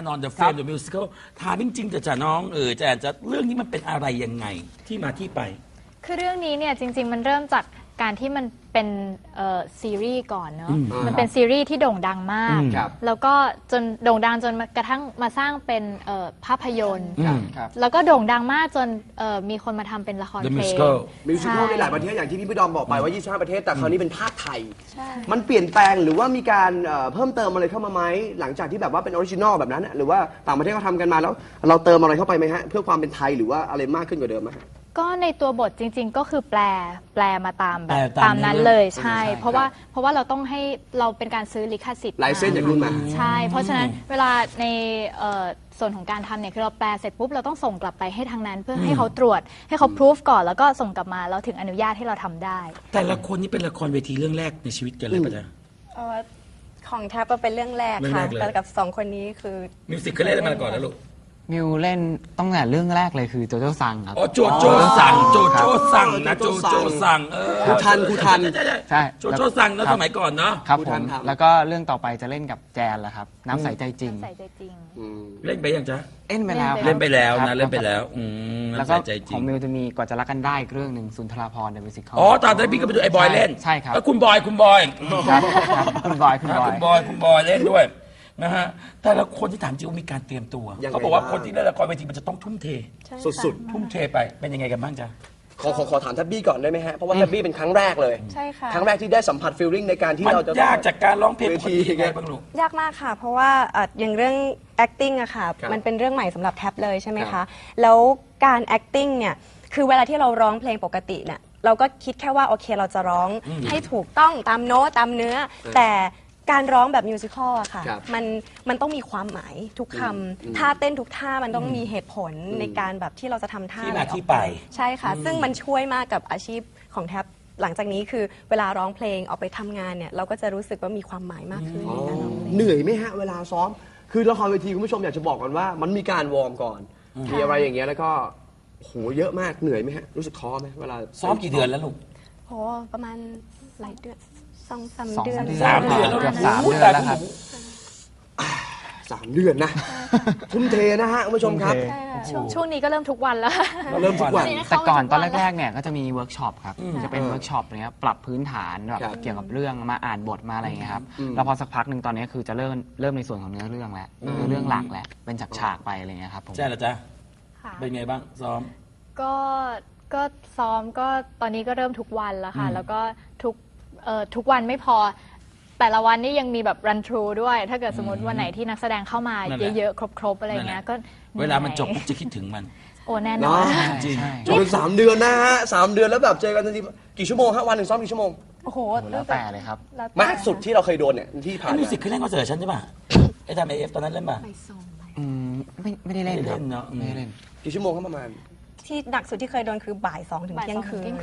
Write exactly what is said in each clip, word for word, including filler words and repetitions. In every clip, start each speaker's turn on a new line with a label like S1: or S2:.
S1: นอน The Frame The Musical ถามจริงๆแต่จะน้องเออจะจะเรื่องนี้มันเป็นอะไรยังไงที่มาที่ไป
S2: คือเรื่องนี้เนี่ยจริงๆมันเริ่มจากการที่มันเป็นซีรีส์ก่อนเนาะมันเป็นซีรีส์ที่โด่งดังมากแล้วก็จนโด่งดังจนกระทั่งมาสร้างเป็นภาพยนตร์แล้วก็โด่งดังมากจนมีคนมาทำเป็นละครเพลงมิวสิ
S3: คัลในหลายประเทศอย่างที่พี่พี่ดอมบอกไปว่ายี่สิบห้าประเทศแต่คราวนี้เป็นภาคไทยมันเปลี่ยนแปลงหรือว่ามีการเพิ่มเติมอะไรเข้ามาไหมหลังจากที่แบบว่าเป็นออริจินอลแบบนั้นหรือว่าต่างประเทศเขาทำกันมาแล้วเราเติมอะไรเข้าไปไหมฮะเพื่อความเป็นไทยหรือว่าอะไรมากขึ้นกว่าเดิมไหม
S2: ก็ในตัวบทจริงๆก็คือแปลแปลมาตามแบบตามนั้นเลยใช่เพราะว่าเพราะว่าเราต้องให้เราเป็นการซื้อลิขสิทธิ์
S3: ลายเส้นจากรุ่นมา
S2: ใช่เพราะฉะนั้นเวลาในส่วนของการทำเนี่ยคือเราแปลเสร็จปุ๊บเราต้องส่งกลับไปให้ทางนั้นเพื่อให้เขาตรวจให้เขาพิสูจก่อนแล้วก็ส่งกลับมาเราถึงอนุญาตให้เราทำได้
S1: แต่ละคนนี่เป็นละครเวทีเรื่องแรกในชีวิตกันเลยปะจ๊ะ
S4: ของแทบก็เป็นเรื่องแรกค่ะแต่กับสองคนนี้คือ
S1: มิวสิกเขาเล่นมาก่อนแล้วลูก
S5: มิวเล่นต้องแต่เรื่องแรกเลยคือโจโจ้ซังครับ
S1: อ๋อโจโจ้ซังโจโจ้ซังนะโจโจ้ซังเออ
S3: คูทันคูทัน
S5: ใช่
S1: โจโจ้ซังแล้วสมัยก่อนเนาะ
S5: ครับผมแล้วก็เรื่องต่อไปจะเล่นกับแจนแหละครับน้ำใสใจจริง
S2: ใสใจจริง
S1: เล่นไปยังจ๊ะ
S5: เล่นไปแล้ว
S1: เล่นไปแล้วนะเล่นไปแล้ว
S5: แล้วก็ของมิวจะมีกว่าจะรักกันได้เรื่องหนึ่งสุนทราภรณ์เดอะมิวสิคอล
S1: อ๋อตอนนั้นพี่ก็ไปดูไอ้บอยเล่น
S5: ใช่ครับ
S1: แล้วคุณบอยคุณบอย
S5: คุณบอยคุณบอย
S1: คุณบอยคุณบอยเล่นด้วยนะฮะแต่ละคนที่ถามจริงมีการเตรียมตัวเขาบอกว่าคนที่เล่นละครเวทีมันจะต้องทุ่มเทสุดๆทุ่มเทไปเป็นยังไงกันบ้างจ๊ะ
S3: ขอขอขอถามทับบี้ก่อนได้ไหมฮะเพราะว่าทับบี้เป็นครั้งแรกเลย
S4: ใช่ค่ะ
S3: ครั้งแรกที่ได้สัมผัสฟีลลิ่งในการที่เราจะ
S1: ยากจากการร้องเพลงเวทียังไงบ้างลูก
S4: ยากมากค่ะเพราะว่าอย่างเรื่อง acting อะค่ะมันเป็นเรื่องใหม่สำหรับแท็บเลยใช่ไหมคะแล้วการ acting เนี่ยคือเวลาที่เราร้องเพลงปกติเนี่ยเราก็คิดแค่ว่าโอเคเราจะร้องให้ถูกต้องตามโน้ตตามเนื้อแต่การร้องแบบมิวสิควลอะค่ะมันมันต้องมีความหมายทุกคำท่าเต้นทุกท่ามันต้องมีเหตุผลในการแบบที่เราจะทำท่า
S1: ที่มาที่ไป
S4: ใช่ค่ะซึ่งมันช่วยมากกับอาชีพของแท็บหลังจากนี้คือเวลาร้องเพลงออกไปทำงานเนี่ยเราก็จะรู้สึกว่ามีความหมายมากขึ้นในการร้องเพลง
S3: เหนื่อยไหมฮะเวลาซ้อมคือละครเวทีคุณผู้ชมอยากจะบอกก่อนว่ามันมีการวอร์มก่อนมีอะไรอย่างเงี้ยแล้วก็โหเยอะมากเหนื่อยไหมฮะรู้สึกท้อไหมเวลา
S1: ซ้อมกี่เดือนแล้วลูก
S4: โหประมาณหลายเดือนสองสามเดือน
S1: สามเดือน
S5: แล้วสามเดือนแล้วครับ
S3: สามเดือนนะทุ่มเทนะฮะคุณผู้ชมครับ
S2: ช่วงนี้ก็เริ่มทุกวันแล้ว
S3: เริ่มทุกวัน
S5: แต่ก่อนตอนแรกๆเนี่ยก็จะมีเวิร์กช็อปครับจะเป็นเวิร์กช็อปเนี้ยปรับพื้นฐานแบบเกี่ยวกับเรื่องมาอ่านบทมาอะไรอย่างเงี้ยครับแล้วพอสักพักหนึ่งตอนนี้คือจะเริ่มเริ่มในส่วนของเนื้อเรื่องแล้วเนื้อเรื่องหลักแล้วเป็นฉากๆไปอะไรเงี้ยครับผม
S1: ใช่เหรอจ๊ะเป็นไงบ้างซ้อม
S2: ก็ก็ซ้อมก็ตอนนี้ก็เริ่มทุกวันแล้วค่ะแล้วก็ทุกทุกวันไม่พอแต่ละวันนี่ยังมีแบบรันทรูด้วยถ้าเกิดสมมติวันไหนที่นักแสดงเข้ามาเยอะๆครบๆอะไรเงี้ยก็
S1: เวลามันจบจะคิดถึงมัน
S2: โอ้แน่นอน
S3: จริงจบเป็นสามเดือนนะฮะสามเดือนแล้วแบบเจอกันทีกี่ชั่วโมงฮะวันหนึ่งซ้อมกี่ชั่วโมง
S2: โอ้โห
S5: แล้วแต่เลยครับ
S3: มากสุดที่เราเคยโดนเนี่ยที่ผ่าน
S1: มิวสิกเคยเล่นคอนเสิร์ตฉันใช่ป่ะไอ้ทำเอฟตอนนั้นเล่นป่ะ
S5: ไม่ไม่ได้เล่น
S1: เนาะ
S5: ไม่ได้เล่น
S3: กี่ชั่วโมงครับประมาณ
S4: ที่หนักสุดที่เคยโดนคือบ่ายสองถึงเที่ยงคืน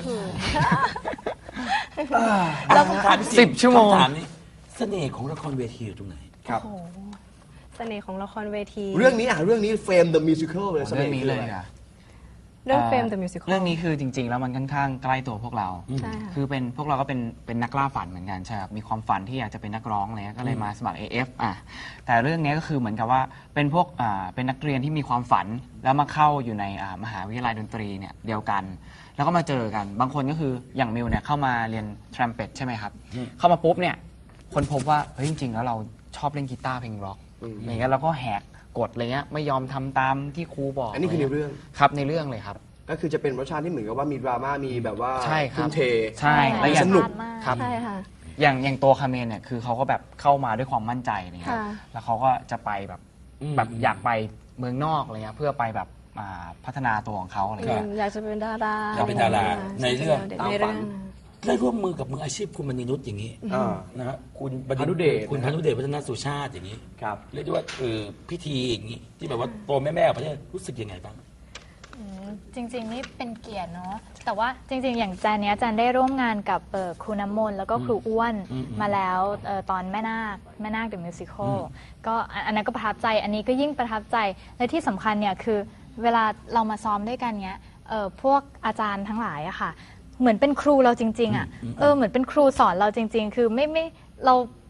S1: แล้ว
S5: สิบชั่วโมง
S1: เสน่ห์ของละครเวทีอยู่ตรงไหน
S3: ครับ
S4: เสน่ห์ของละครเวที
S3: เรื่องนี้อ่ะเรื่องนี้ Frame the Musical เลย
S5: เรื่องนี้เลยอ่ะ
S4: เรื่อง Frame the Musical
S5: เรื่องนี้คือจริงๆแล้วมันค่อนข้างใกล้ตัวพวกเราคือเป็นพวกเราก็เป็นเป็นนักล่าฝันเหมือนกันใช่ครับมีความฝันที่อยากจะเป็นนักร้องอะไรก็เลยมาสมัคร เอ เอฟ อ่ะแต่เรื่องนี้ก็คือเหมือนกับว่าเป็นพวกอ่าเป็นนักเรียนที่มีความฝันแล้วมาเข้าอยู่ในอ่ามหาวิทยาลัยดนตรีเนี่ยเดียวกันแล้วก็มาเจอกันบางคนก็คืออย่างมิวเนี่ยเข้ามาเรียนทรัมเป็ตใช่ไหมครับเข้ามาปุ๊บเนี่ยคนพบว่าเฮ้ยจริงๆแล้วเราชอบเล่นกีตาร์เพลงร็อกอย่างเงี้ยเราก็แหกกฎอะไรเงี้ยไม่ยอมทำตามที่ครูบอก
S3: อันนี้คือในเรื่อง
S5: ครับในเรื่องเลยครับ
S3: ก็คือจะเป็นรสชาติที่เหมือนกับว่ามีดราม่ามีแบบว่า
S5: ใช่ครับ
S3: ทุ่มเท
S5: ใช่และ
S3: สนุก
S5: ครับใช่ค่ะอย่างอย่างตัวคาเมนเนี่ยคือเขาก็แบบเข้ามาด้วยความมั่นใจนะครับแล้วเขาก็จะไปแบบแบบอยากไปเมืองนอกอะไรเงี้ยเพื่อไปแบบพัฒนาตัวของเขาอะไรเงี้ย
S4: อยากจะเป็นดารา
S1: อยากเป็นดาราในเรื่องตามฝันได้ร่วมมือกับมืออาชีพคุณมณีนุชอย่างนี้นะฮะคุณ
S3: พานุเดช
S1: คุณพานุเดชพัฒนาสุชาติอย่างนี้เรียกได้ว่าเออพิธีอย่างนี้ที่แบบว่าโตแม่ๆประเทศรู้สึกยังไงบ้าง
S2: จริงๆนี่เป็นเกียรติเนาะแต่ว่าจริงๆอย่างจานเนี้ยจานได้ร่วมงานกับครูน้ำมนต์แล้วก็ครูอ้วนมาแล้วตอนแม่นาคแม่นาคเดอะมิวสิคลก็อันนั้นก็ประทับใจอันนี้ก็ยิ่งประทับใจและที่สำคัญเนี่ยคือเวลาเรามาซ้อมด้วยกันเนี้ยพวกอาจารย์ทั้งหลายอะค่ะเหมือนเป็นครูเราจริงๆอะเออเหมือนเป็นครูสอนเราจริงๆคือไม่ไม่เรา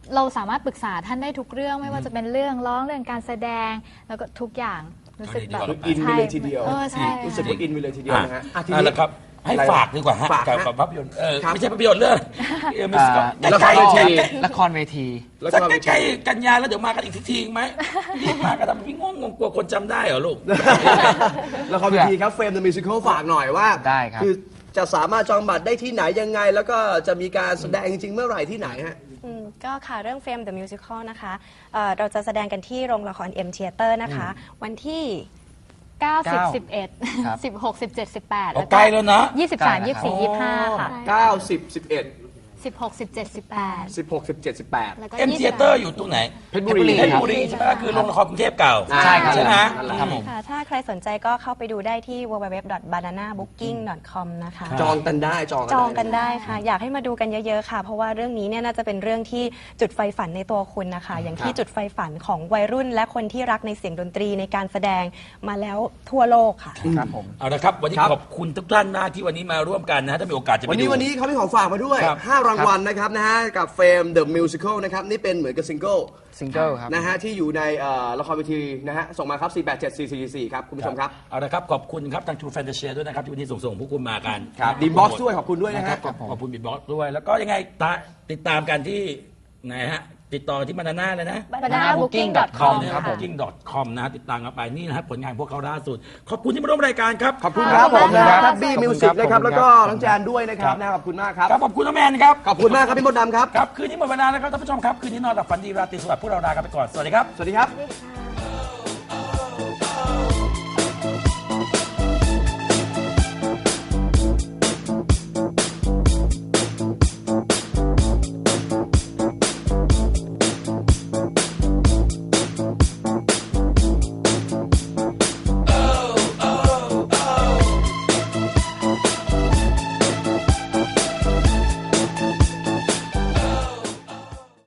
S2: เราสามารถปรึกษาท่านได้ทุกเรื่องไม่ว่าจะเป็นเรื่องร้องเรื่องการแสดงแล้วก็ทุกอย่างรู้สึกแบบ
S3: อินไปเลยทีเดียว
S2: เออใช่
S3: รู้สึกว่าอินไปเลยทีเดียวนะฮะอ่ะที
S1: อ่ะ
S3: นี้
S1: แล้วครับให้ฝากดีกว่าฮะ
S3: ฝาก
S1: กับ
S3: ฮะ
S1: กับภาพยนตร์เออ
S3: ครับ
S1: ไม่ใช่ภาพยนตร์เรื่องเออมิวสิคอล
S5: อ่า
S3: ละครเวที
S5: ละครเวที
S3: แล้ว
S1: สัก
S3: ก็
S1: ใกล้ๆกันยาแล้วเดี๋ยวมากันอีกทีทีไหมรีบมากันทำพี่งงงกลัวคนจำได้เหรอลูก
S3: ละครเวทีครับเฟรม The Musical ฝากหน่อยว่า
S5: ได้ครับ
S3: คือจะสามารถจองบัตรได้ที่ไหนยังไง แล้วก็จะมีการแสดงจริงๆเมื่อไหร่ที่ไหนฮะ
S4: อืมก็ค่ะเรื่อง Fame the Musical นะคะเอ่อเราจะแสดงกันที่โรงละคร M Theater นะคะ วันที่
S2: เก้า สิบ
S5: เก้า
S2: สิบเอ็ด
S5: ครับ
S2: สิบหก สิบเจ็ด สิบแปด
S1: เอาใกล้แล้วนะ
S2: ยี่สิบสามยี่สิบสี่ยี่สิบห้าค่ะ
S3: เก้า สิบ สิบเอ็ด
S2: สิบหก สิบเจ็ด สิบแปด
S3: สิบหก สิบเจ็ด สิบแปด
S2: แล้วก็
S1: เอ็ม
S2: ยี่
S1: เท
S2: สิบ
S1: เตอร์อยู่ตรงไหน
S3: เพชรบุรี
S1: เพชรบุรีใช่ไหมคือโรงละครกรุงเทพเก่า
S3: อ่า
S5: ใช่ครับ
S1: ใช่ไหม
S5: ครับผม
S4: ค่ะ ถ้าใครสนใจก็เข้าไปดูได้ที่ ดับเบิลยู ดับเบิลยู ดับเบิลยู ดอท บานาน่าบุ๊กกิ้ง ดอท คอม นะคะ
S3: จองกันได้จอง
S4: จองกันได้ค่ะ อยากให้มาดูกันเยอะๆค่ะ เพราะว่าเรื่องนี้เนี่ยน่าจะเป็นเรื่องที่จุดไฟฝันในตัวคุณนะคะ อย่างที่จุดไฟฝันของวัยรุ่น และคนที่รักในเสียงดนตรีในการแสดงมาแล้วทั่วโลกค่ะ
S5: ครับผม
S1: เอาละครับ วันนี้ขอบคุณทุกท่านมากที่วันนี้มาร่วมกันนะฮะถ้ามีโอกาสจะไป
S3: วันนี้
S1: ดู
S3: วันนี้เขามีของฝากมาด้วย
S1: ครับ
S3: ห้ารางวัลนะครับนะฮะกับเฟรม The Musical นะครับนี่เป็นเหมือนกับซิงเกิล
S5: ซิงเกิลครับ
S3: นะฮะที่อยู่ในเอ่อละครเวทีนะฮะส่งมาครับ สี่ แปด เจ็ด สี่ สี่ สี่ ครับคุณผู้ชมครับ
S1: เอาละครับ ขอบคุณครับทาง True Fantasia ด้วยนะครับ ที่วันนี้ส่งส่งพวกคุณมากัน
S3: ครับดีบ็อกซ์ด้วยขอบคุณด้วยนะ
S1: นะค
S3: ค
S1: รั
S3: รั
S1: บบ ขอบขอบคุณบิดบ็อกด้วย แล้วก็ยังไงตาติดตามกันที่ไหนฮะ ติดต่อที่มานาน่าเลยนะ
S2: banana booking dot
S5: คอ
S2: com
S5: ม
S1: นะ
S5: ค
S1: ค
S5: รั
S1: รั
S5: บบ ผม
S1: booking dot com นะฮะติดตามกันไปนี่นะครับผลงานพวกเขาล่าสุด ขอบคุณที่มาร่วมรายการครับ
S3: ขอบคุณครับผมนะ
S5: ค
S3: ค
S5: รั
S3: รับ บบี้มิวสิกนะครับ
S5: ขอบคุณครับ
S3: แล้วก็น้องแจนด้วยนะครับนะขอบคุณมากครับ
S1: ครับขอบคุณน้องแมนครับ
S3: ขอบคุณมากครับพี่มดดำครับ
S1: ครับคืนนี้หมดเวลาแล้วครับท่านผู้ชมครับคืนนี้นอนหลับฝันดีราตรีสวัสดิ์พวกเราลากันไปก่อนสวัสดีครับ
S3: สวัสดีครับ
S2: ค่ะ